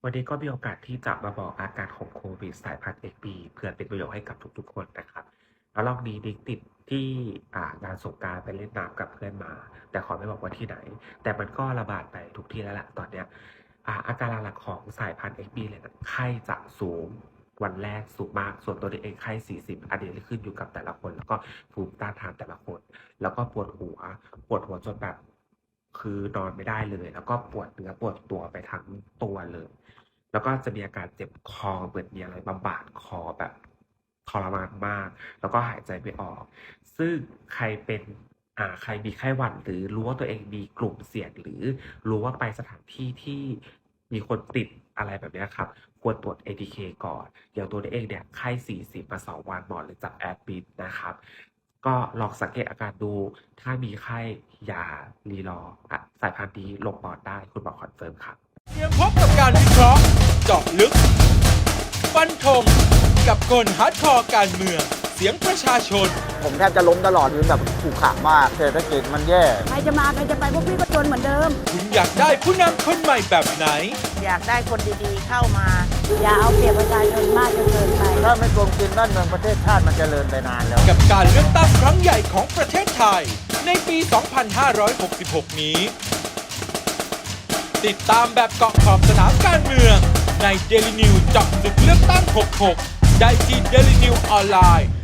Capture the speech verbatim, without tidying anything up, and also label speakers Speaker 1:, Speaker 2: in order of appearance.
Speaker 1: วันนี้ก็มีโอกาสที่จะมาบอกอาการของโควิดสายพันธุ์ เอ็กซ์ บี เพื่อเป็นประโยชน์ให้กับทุกๆคนนะครับ แล้วรอบนี้นิกติดที่อ่างานสงกรานต์ไปเล่นน้ำกับเพื่อนมา แต่ขอไม่บอกว่าที่ไหน แต่มันก็ระบาดไปทุกที่แล้วแหละตอนเนี้ยอ่าอาการหลักๆของสายพันธุ์ เอ็กซ์ บี เลยนะไข้จะสูง วันแรกสูงมาก ส่วนตัวนิกเองไข้ สี่สิบ อันนี้ขึ้นอยู่กับแต่ละคน แล้วก็ภูมิต้านทานแต่ละคน แล้วก็ปวดหัว ปวดหัวจนแบบ คือนอนไม่ได้เลย แล้วก็ปวดเนื้อปวดตัวไปทั้งตัวเลย แล้วก็จะมีอาการเจ็บคอเหมือนมีอะไรมาบาดคอแบบทรมานมาก แล้วก็หายใจไม่ออก ซึ่งใครเป็นอ่าใครมีไข้หวัดหรือรู้ว่าตัวเองมีกลุ่มเสี่ยง หรือรู้ว่าไปสถานที่ที่มีคนติดอะไรแบบเนี้ยครับ ควรตรวจ เอ ที เค ก่อน อย่างตัวนิกเองเนี่ยไข้ สี่สิบ มา สอง วันหมอเลยจับแอดมิตนะครับ ก็ลองสังเกตอาการดู ถ้ามีไข้อย่ารีรออะสายพันธุ์นี้ลงปอดได้ คุณหมอคอนเฟิร์มครับ
Speaker 2: เตรียมพบกับการวิเคราะห์เจาะลึก ฟันธงกับคนฮาร์ดคอร์การเมือง เสียงประชาชน
Speaker 3: ผมแทบจะล้มตลอดคือแบบขู่ขามากเศรษฐกิจมันแย่
Speaker 4: ใครจะมาใครจะไปพวกพี่ก็จนเหมือนเดิม
Speaker 2: คุณอยากได้ผู้นำคนใหม่แบบไหน
Speaker 5: อยากได้คนดีๆเข้ามา
Speaker 4: อย่าเอาเปรียบประชาชนมากจนเกินไป
Speaker 3: ถ้าไม่โกงกินบ้านเมืองประเทศชาติมันจเจริญไปนานแล้ว
Speaker 2: กับการเลือกตั้งครั้งใหญ่ของประเทศไทย ในปี สองพันห้าร้อยหกสิบหก นี้ ติดตามแบบเกาะขอบสนามการเมืองใน Daily News เจาะลึกเลือกตั้ง หกสิบหก ได้ที่ Daily News ออนไลน์